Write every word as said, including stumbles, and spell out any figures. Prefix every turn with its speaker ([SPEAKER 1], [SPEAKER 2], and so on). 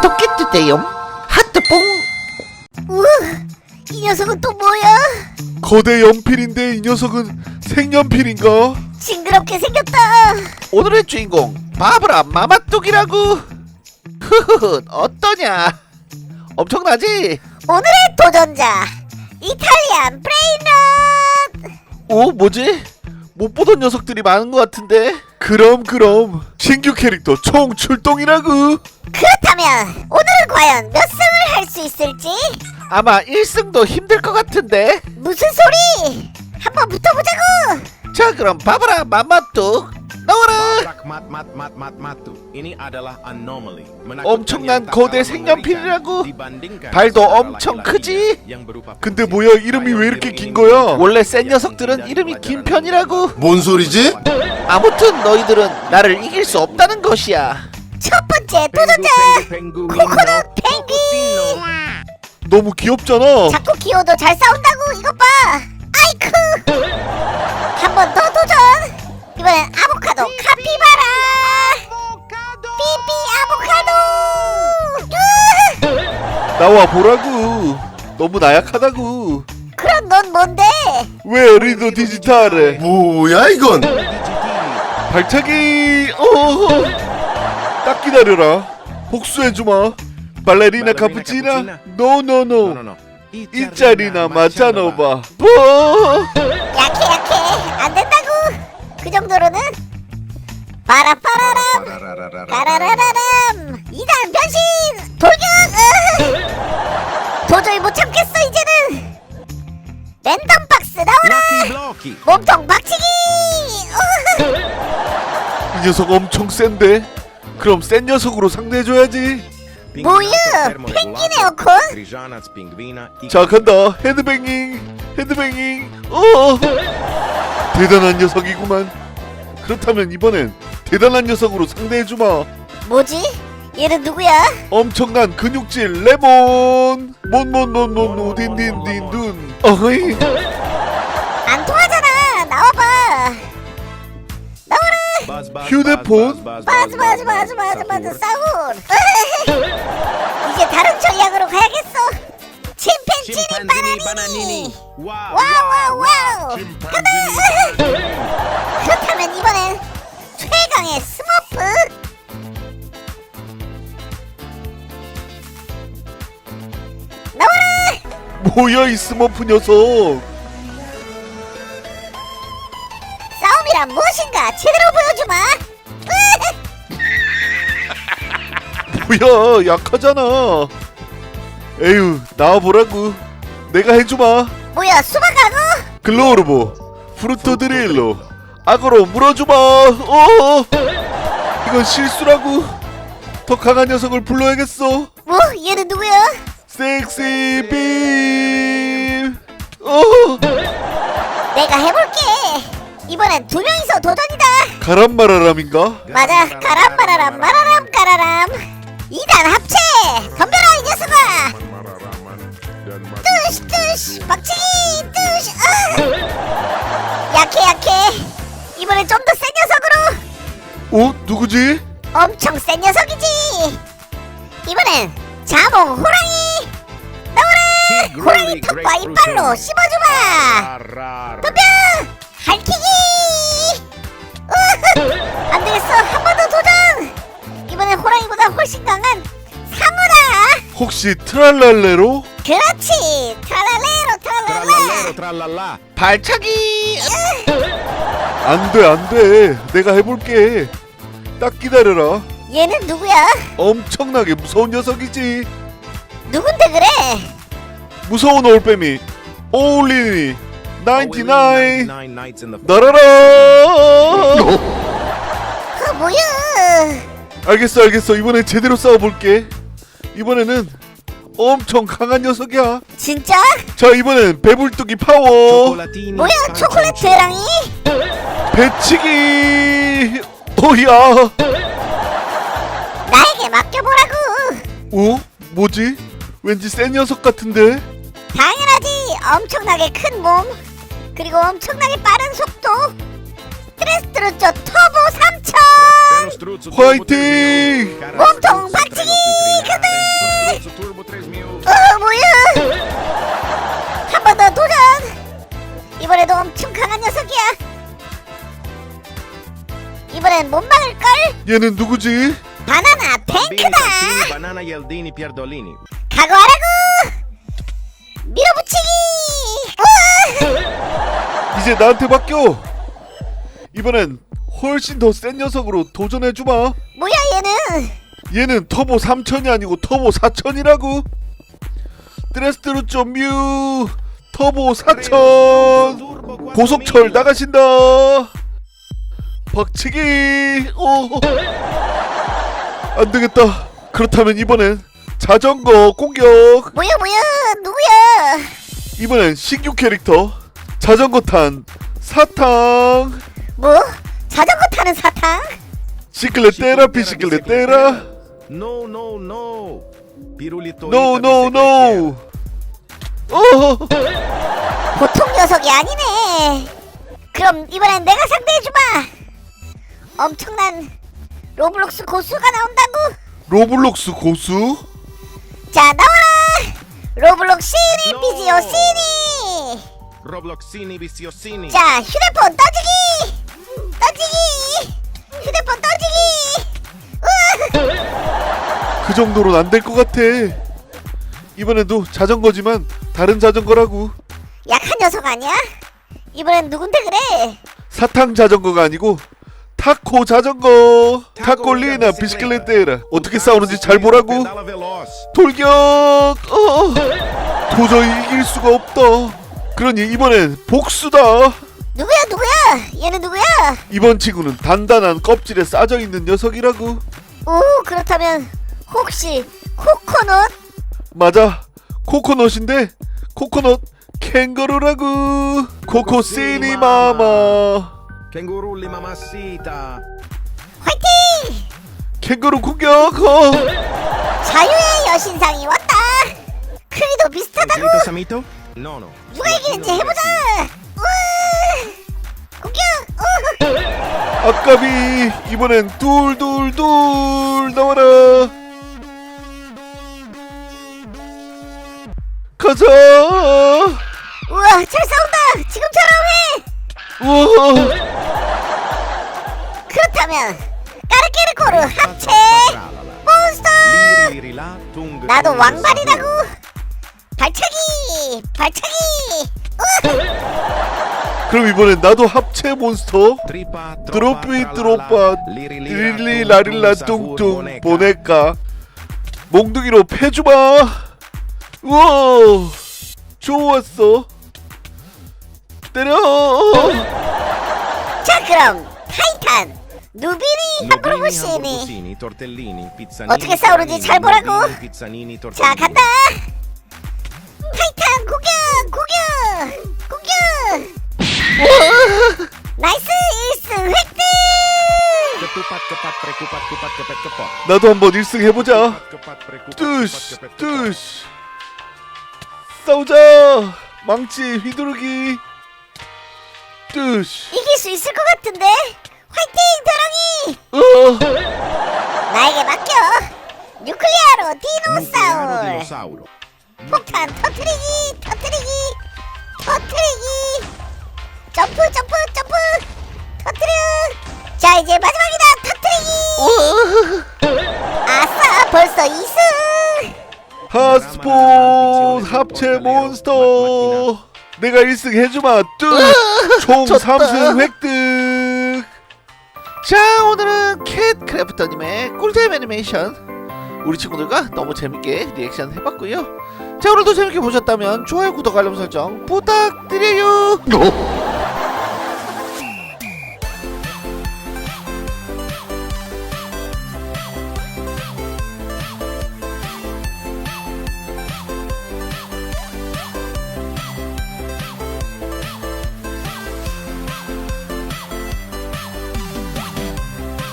[SPEAKER 1] 좋겠는데요. 하트뽕.
[SPEAKER 2] 우와, 이 녀석은 또 뭐야?
[SPEAKER 3] 거대 연필인데 이 녀석은 색연필인가?
[SPEAKER 2] 징그럽게 생겼다.
[SPEAKER 1] 오늘의 주인공 바브라 마마뚝이라고. 흐흐흐, 어떠냐? 엄청나지?
[SPEAKER 2] 오늘의 도전자 이탈리안 브레인럿.
[SPEAKER 1] 오, 뭐지? 못 보던 녀석들이 많은 것 같은데.
[SPEAKER 3] 그럼 그럼 신규 캐릭터 총 출동이라고.
[SPEAKER 2] 그렇다면 오늘은 과연 몇 승을 할 수 있을지?
[SPEAKER 1] 아마 일 승도 힘들 것 같은데.
[SPEAKER 2] 무슨 소리? 한번 붙어보자고.
[SPEAKER 1] 자, 그럼 바브라 마마뚝 나와라. 엄청난 거대 색연필이라고. 발도 엄청 크지?
[SPEAKER 3] 근데 뭐야, 이름이 왜 이렇게 긴 거야?
[SPEAKER 1] 원래 센 녀석들은 이름이 긴 편이라고.
[SPEAKER 4] 뭔 소리지?
[SPEAKER 1] 아무튼 너희들은 나를 이길 수 없다는 것이야.
[SPEAKER 2] 첫 번째 도전자 코코넛 펭귄.
[SPEAKER 3] 너무 귀엽잖아.
[SPEAKER 2] 자꾸 귀여워도 잘 싸운다고. 이것 봐. 아이쿠. 한 번 더 도전. 이번엔 아보카도 카피바라. 삐삐 아보카도.
[SPEAKER 3] 나와 보라고. 너무 나약하다고.
[SPEAKER 2] 그럼 넌 뭔데?
[SPEAKER 3] 왜 리더 디지털에
[SPEAKER 4] 뭐야 이건?
[SPEAKER 3] 발차기. 어. 딱 기다려라. 복수해주마. 발레리나 카푸치나. 노노노. 이 자리나 맞아놓봐. 뭐?
[SPEAKER 2] 약해 약해. 안 된다고. 그 정도로는. 빠라빠라람 까라라라람. 이단 변신 돌격. 으. 도저히 못 참겠어 이제는. 랜덤 박스 나와라. 몸통 박치기. 으.
[SPEAKER 3] 이 녀석 엄청 센데. 그럼 센 녀석으로 상대해줘야지.
[SPEAKER 2] 뭐야? 펭귄 에어컨?
[SPEAKER 3] 자, 간다. 헤드뱅잉. 헤드뱅잉. 어. 대단한 녀석이구만. 그렇다면 이번엔 대단한 녀석으로 상대해주마.
[SPEAKER 2] 뭐지? 얘는 누구야?
[SPEAKER 3] 엄청난 근육질 레몬. 몬몬몬몬 우딘딘딘둔. 어이.
[SPEAKER 2] 안 통하잖아. 나와봐. 나와라.
[SPEAKER 3] 휴대폰.
[SPEAKER 2] 맞아 맞아 맞아 맞아 맞아 싸울. 이제 다른 전략으로 가야겠어. 침팬지니 바나니니. 와우 와우 와우. 간다. 그렇다면 이번엔 최강의 스머프. 나와라.
[SPEAKER 3] 뭐야 이 스머프 녀석.
[SPEAKER 2] 싸움이란 무엇인가 제대로 보여주마.
[SPEAKER 3] 뭐야, 약하잖아. 에휴, 나와보라고. 내가 해주마.
[SPEAKER 2] 뭐야 수박하고?
[SPEAKER 3] 글로우르보 프루토 드릴로 악어로 물어주마. 어. 이건 실수라고. 더 강한 녀석을 불러야겠어.
[SPEAKER 2] 뭐 얘는 누구야?
[SPEAKER 3] 섹시 빔. 어.
[SPEAKER 2] 내가 해볼게. 이번엔 두 명이서 도전이다.
[SPEAKER 3] 가람마라람인가?
[SPEAKER 2] 맞아. 가람마라람 마라람 까라람. 이단 합체. 덤벼라 이 녀석아. 뜨시 뜨시 박치기 뜨시. 아. 약해 약해. 이번엔 좀 더 센 녀석으로.
[SPEAKER 3] 어? 누구지?
[SPEAKER 2] 엄청 센 녀석이지. 이번엔 자몽 호랑이. 나와라. 호랑이 턱과 이빨로 씹어주마. 덤벼. 할퀴기. 안 되겠어. 한 번 더 도전. 이번엔 호랑이보다 훨씬 강한 상어다.
[SPEAKER 3] 혹시 트랄랄레로?
[SPEAKER 2] 그렇지. 트랄랄레로 트랄랄라.
[SPEAKER 1] 발차기.
[SPEAKER 3] 안돼 안돼. 내가 해볼게. 딱 기다려라.
[SPEAKER 2] 얘는 누구야?
[SPEAKER 3] 엄청나게 무서운 녀석이지.
[SPEAKER 2] 누군데 그래?
[SPEAKER 3] 무서운 올빼미 오울리니 나인티나인 나라라.
[SPEAKER 2] 그 뭐야?
[SPEAKER 3] 알겠어 알겠어. 이번엔 제대로 싸워볼게. 이번에는 엄청 강한 녀석이야.
[SPEAKER 2] 진짜?
[SPEAKER 3] 자, 이번엔 배불뚝이 파워.
[SPEAKER 2] 뭐야 초콜릿 대랑이?
[SPEAKER 3] 배치기. 오야.
[SPEAKER 2] 나에게 맡겨보라고.
[SPEAKER 3] 어? 뭐지? 왠지 센 녀석 같은데?
[SPEAKER 2] 당연하지. 엄청나게 큰 몸 그리고 엄청나게 빠른 속도. 스트레스트루쪼 터보 삼천.
[SPEAKER 3] 화이팅!
[SPEAKER 2] 몸통 박치기. 그들.
[SPEAKER 3] 얘는 누구지?
[SPEAKER 2] 바나나 탱크다.
[SPEAKER 5] Banana Yaldini Pierdolini.
[SPEAKER 2] 각오하라고. 밀어붙이기. 우와.
[SPEAKER 3] 이제 나한테 맡겨. 이번엔 훨씬 더 센 녀석으로 도전해주마.
[SPEAKER 2] 뭐야 얘는?
[SPEAKER 3] 얘는 터보 삼천이 아니고 터보 사천이라고. 트레스트루쪼 뮤 터보 사천. 고속철 나가신다. 박치기. 오. 안되겠다. 그렇다면 이번엔 자전거 공격.
[SPEAKER 2] 뭐야 뭐야 누구야?
[SPEAKER 3] 이번엔 신규 캐릭터 자전거 탄 사탕.
[SPEAKER 2] 뭐? 자전거 타는 사탕?
[SPEAKER 3] 시클레 때라 비시클레 때라.
[SPEAKER 5] No, no, no. Pirulito.
[SPEAKER 3] No no no. 어.
[SPEAKER 2] 보통 녀석이 아니네. 그럼 이번엔 내가 상대해주마. 엄청난 로블록스 고수가 나온다고?
[SPEAKER 3] 로블록스 고수?
[SPEAKER 2] 자 나와라. 로블록스 시니
[SPEAKER 5] No.
[SPEAKER 2] 비지오 시니.
[SPEAKER 5] Robloxini Viciosini.
[SPEAKER 2] 자 휴대폰 떠지기. 떠지기. 휴대폰 떠지기. 우와.
[SPEAKER 3] 그 정도로는 안 될 것 같아. 이번에도 자전거지만 다른 자전거라고.
[SPEAKER 2] 약한 녀석 아니야? 이번엔 누군데 그래?
[SPEAKER 3] 사탕 자전거가 아니고 타코 자전거. 타콜리나 비시클레테라. 어떻게 싸우는지 잘 보라고.
[SPEAKER 5] Pedala veloz.
[SPEAKER 3] 돌격. 어. 도저히 이길 수가 없다. 그러니 이번엔 복수다.
[SPEAKER 2] 누구야 누구야? 얘는 누구야?
[SPEAKER 3] 이번 친구는 단단한 껍질에 싸져 있는 녀석이라고.
[SPEAKER 2] 오 그렇다면 혹시 코코넛?
[SPEAKER 3] 맞아. 코코넛인데 코코넛 캥거루라고. 코코시니 마마.
[SPEAKER 5] Kengurulli mamacita.
[SPEAKER 2] 화이팅!
[SPEAKER 3] 캥거루 공격. 어.
[SPEAKER 2] 자유의 여신상이 왔다. 크기도 비슷하다고.
[SPEAKER 5] Grito Samito? No, no.
[SPEAKER 2] 누가 이기는지 해보자. 우와! 공격. 우.
[SPEAKER 3] 아까비. 이번엔 둘둘둘 나와라. 가자.
[SPEAKER 2] 우와 잘 싸운다. 지금처럼 해.
[SPEAKER 3] 우와.
[SPEAKER 2] 그렇다면 까르케르코르 합체 몬스터.
[SPEAKER 5] Lirila, tung.
[SPEAKER 2] 나도 왕발이라고. 발차기 발차기. 우와.
[SPEAKER 3] 그럼 이번엔 나도 합체 몬스터.
[SPEAKER 5] Tripa,
[SPEAKER 3] 드로피 드로빠 릴리 라릴라 뚱뚱 보낼까. 몽둥이로 패주마. 우와 좋았어. 때려.
[SPEAKER 2] 자 그럼 타이탄 누비니 하프로부시니. 어떻게 싸우는지 잘 보라고. 자 간다. 타이탄 공격 공격 공격. 나이스 일 승 획득.
[SPEAKER 3] 나도 한번 일 승 해보자. 뚜시 뚜시 싸우자. 망치 휘두르기. 뚜시.
[SPEAKER 2] 이길 수 있을 것 같은데. 화이팅 도랑이.
[SPEAKER 3] 어.
[SPEAKER 2] 나에게 맡겨. 뉴클리아로 디노사울. 폭탄 터트리기 터트리기 터트리기. 점프 점프 점프 터트려. 자 이제 마지막이다. 터트리기. 아싸 벌써 이 승.
[SPEAKER 3] 핫스폰 합체 몬스터. 내가 일 승 해주마. 뚜총
[SPEAKER 1] 졌다.
[SPEAKER 3] 삼 승 획득.
[SPEAKER 1] 자 오늘은 캣 크래프터님의 꿀잼 애니메이션 우리 친구들과 너무 재밌게 리액션 해봤고요. 자 오늘도 재밌게 보셨다면 좋아요 구독 알람 설정 부탁드려요.